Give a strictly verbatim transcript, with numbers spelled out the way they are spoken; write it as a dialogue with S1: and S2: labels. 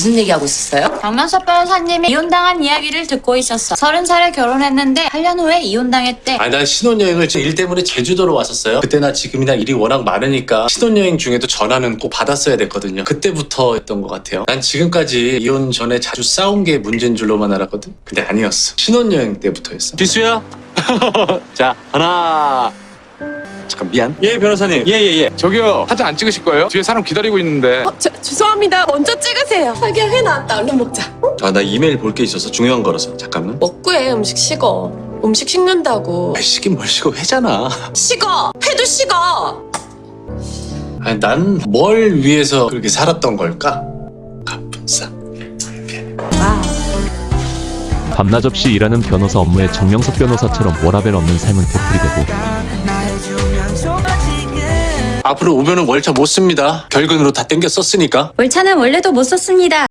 S1: 무슨 얘기하고 있었어요?
S2: 박명섭 변호사님이 이혼당한 이야기를 듣고 있었어. 서른 살에 결혼했는데 팔 년 후에 이혼당했대.
S3: 아니 난 신혼여행을 지금 일 때문에 제주도로 왔었어요. 그때나 지금이나 일이 워낙 많으니까 신혼여행 중에도 전화는 꼭 받았어야 됐거든요. 그때부터 했던 것 같아요. 난 지금까지 이혼 전에 자주 싸운 게 문제인 줄로만 알았거든. 근데 아니었어. 신혼여행 때부터였어.
S4: 기수야. 자, 하나. 잠깐 미안. 예, 변호사님. 예, 예, 예.
S5: 저기요, 사진 안 찍으실 거예요? 뒤에 사람 기다리고 있는데.
S6: 어, 저, 죄송합니다. 먼저 찍으세요. 자기야, 회 나왔다. 얼른 먹자.
S3: 아 나 이메일 볼 게 있어서 중요한 거라서 잠깐만.
S6: 먹고 해. 음식 식어. 음식 식는다고.
S3: 아 시긴 뭘 시고 회잖아.
S6: 식어. 회도 식어.
S3: 아니 난 뭘 위해서 그렇게 살았던 걸까? 갑분싸.
S7: 밤낮 없이 일하는 변호사 업무에 정명석 변호사처럼 워라밸 없는 삶은 되풀이되고
S3: 앞으로 오면은 월차 못 씁니다. 결근으로 다 땡겨 썼으니까.
S2: 월차는 원래도 못 썼습니다.